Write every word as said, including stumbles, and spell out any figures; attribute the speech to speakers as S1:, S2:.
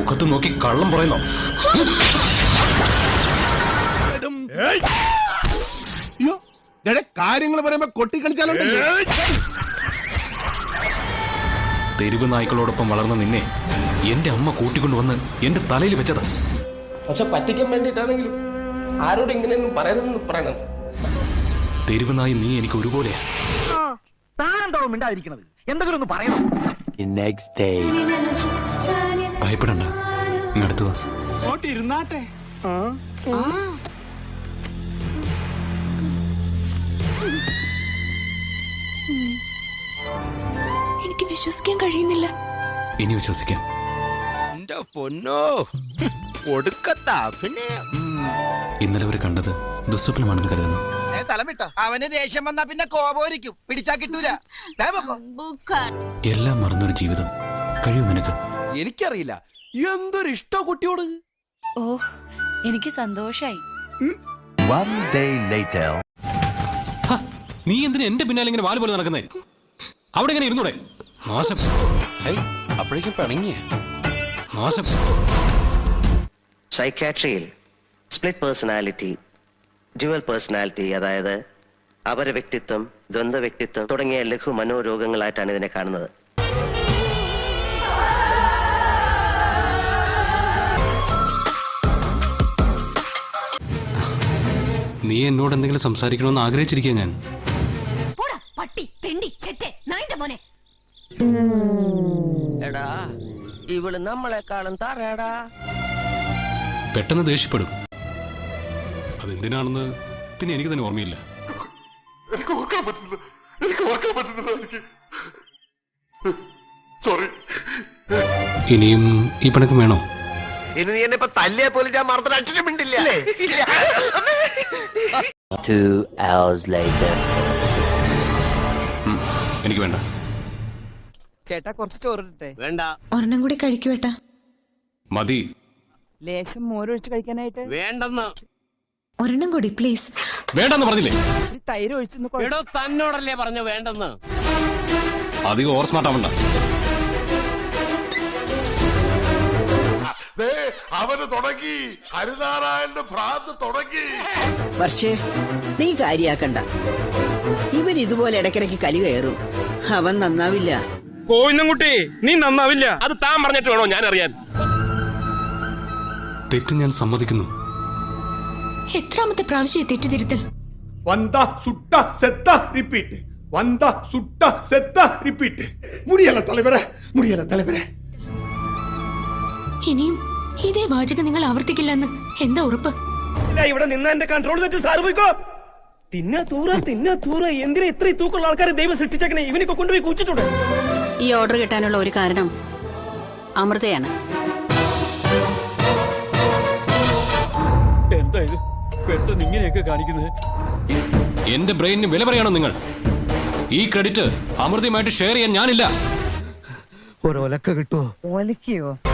S1: മുഖത്ത് നോക്കി കള്ളം പറയുന്നോ?
S2: കാര്യങ്ങൾ പറയുമ്പോ കൊട്ടിക്കളിച്ചാലോ?
S1: തെരുവ് നായ്ക്കളോടൊപ്പം വളർന്ന നിന്നെ എന്റെ അമ്മ കൂട്ടിക്കൊണ്ടുവന്ന് എന്റെ തലയിൽ വെച്ചത്.
S3: പക്ഷെ പറ്റിക്കാൻ വേണ്ടിയിട്ടാണെങ്കിലും ആരോട് ഇങ്ങനെയൊന്നും പറയണമെന്ന് പറയണം.
S1: തെരുവ് നായി നീ എനിക്ക് ഒരുപോലെയാ. ഭയപ്പെടണ്ട, അടുത്തു
S2: ഇരുന്നാട്ടെ.
S4: എനിക്ക് വിശ്വസിക്കാൻ കഴിയുന്നില്ല.
S1: ഇനി വിശ്വസിക്കാം.
S5: പൊന്നോ ഒടുക്കത്താ. പിന്നെ
S1: ഇന്നലെ അവർ കണ്ടത് ദുസ്വപ്നമാണെന്ന് കരുതുന്നു.
S5: അവന് ദേഷ്യം വന്നാ പിന്നെ കോപോരിക്കും, പിടിച്ചാ കിട്ടൂല.
S1: എല്ലാം മറന്നൊരു ജീവിതം കഴിയും നിനക്ക്.
S2: എനിക്കറിയില്ല എന്തൊരു ഇഷ്ടോ കുട്ടിയോട്.
S4: ഓ, എനിക്ക് സന്തോഷായി.
S1: നീ എന്തിനാ എന്റെ പിന്നാലെ ഇങ്ങനെ വാല് പോലെ നടക്കുന്നേ? അവിടെ ഇങ്ങനെ ഇരുന്നൂടെ? നാശം.
S3: അപ്പോഴേക്കും പിണങ്ങിയ
S1: നാശം.
S6: സൈക്യാട്രിയിൽ സ്പ്ലിറ്റ് പേഴ്സണാലിറ്റി, ഡ്യുവൽ പേഴ്സണാലിറ്റി, അതായത് അപര വ്യക്തിത്വം, ദ്വന്ദ്വ വ്യക്തിത്വം തുടങ്ങിയ ലഘു മനോരോഗങ്ങളായിട്ടാണ് ഇതിനെ കാണുന്നത്.
S1: നീ എന്നോട് എന്തെങ്കിലും സംസാരിക്കണമെന്ന് ആഗ്രഹിച്ചിരിക്കുക ഞാൻ.
S6: എടാ, ഇവള് നമ്മളെക്കാളും താറേടാ.
S1: പെട്ടെന്ന് ദേഷ്യപ്പെടും. അതെന്തിനാണെന്ന് പിന്നെ എനിക്ക് തന്നെ ഓർമ്മയില്ല. ഇനിയും ഈ പിണക്കം വേണോ?
S5: ഇനി നീ എന്നെ ഇപ്പൊ തല്ലിയെ പോലും ഞാൻ മറന്നിട്ട് അച്ഛനും മിണ്ടില്ല.
S1: എനിക്ക് വേണ്ട.
S5: ചേട്ടാ കുറച്ച് ചോറിട്ടെ. വേണ്ട.
S4: ഒരെണ്ണം കൂടി കഴിക്കുവേട്ടാ.
S1: മതി.
S5: ലേശം മോരൊഴിച്ച് കഴിക്കാനായിട്ട്. വേണ്ടെന്ന്.
S4: ഒരെണ്ണം കൂടി പ്ലീസ്.
S1: വേണ്ടെന്ന് പറഞ്ഞില്ലേ?
S5: തൈര് ഒഴിച്ചു. തന്നോടല്ലേ പറഞ്ഞു വേണ്ടെന്ന്.
S1: അധികം ഓവർ സ്മാർട്ട് ആവണ്ട.
S7: അവന് തുടങ്ങി, ഹരിനാരായണന്റെ ഭ്രാന്ത് തുടങ്ങി.
S8: പക്ഷേ നീ കാര്യാക്കണ്ട, ഇവൻ ഇതുപോലെ ഇടയ്ക്കിടയ്ക്ക് കലി കയറും. അവൻ നന്നാവില്ല.
S2: കോയിന്നുംകുട്ടി, നീ നന്നാവില്ല. അത് താൻ പറഞ്ഞിട്ട് വേണോ ഞാൻ അറിയാൻ?
S1: തെറ്റ് ഞാൻ സമ്മതിക്കുന്നു.
S4: എത്രാമത്തെ പ്രാവശ്യം തെറ്റിതിരുത്തൽ?
S7: വന്ത സുട്ട സെത്ത റിപ്പീറ്റ്, വന്ത സുട്ട സെത്ത റിപ്പീറ്റ്. മുടിയല്ല തലവരെ, മുടിയല്ല തലവരെ.
S4: ഇനിയും ഇതേ വാചകം നിങ്ങൾ ആവർത്തിക്കില്ലെന്ന് എന്താ ഉറപ്പ്?
S2: ഇവിടെ നിന്ന് എന്റെ കൺട്രോൾ തെറ്റി സാറ് പോയിക്കോ. തിന്നാ തൂറ തിന്നാ തൂറ. എന്തിനാ ഇത്ര തൂക്കമുള്ള ആൾക്കാരെ ദൈവം സൃഷ്ടിച്ചേക്കണേ? ഇവനൊക്കെ കൊണ്ടുപോയി കുച്ചിട്ടുണ്ട്.
S8: ഈ ഓർഡർ കിട്ടാനുള്ള ഒരു കാരണം അമൃതയാണ്.
S2: എന്താ ഇത് പെട്ടെന്ന് ഇങ്ങനെയൊക്കെ കാണിക്കുന്നത്?
S1: എന്റെ ബ്രെയിനിന് വില പറയണോ നിങ്ങൾ? ഈ ക്രെഡിറ്റ് അമൃതയുമായിട്ട് ഷെയർ ചെയ്യാൻ ഞാനില്ല.
S5: ഒരു ഒലക്ക കിട്ടുമോ? ഒലക്കയോ?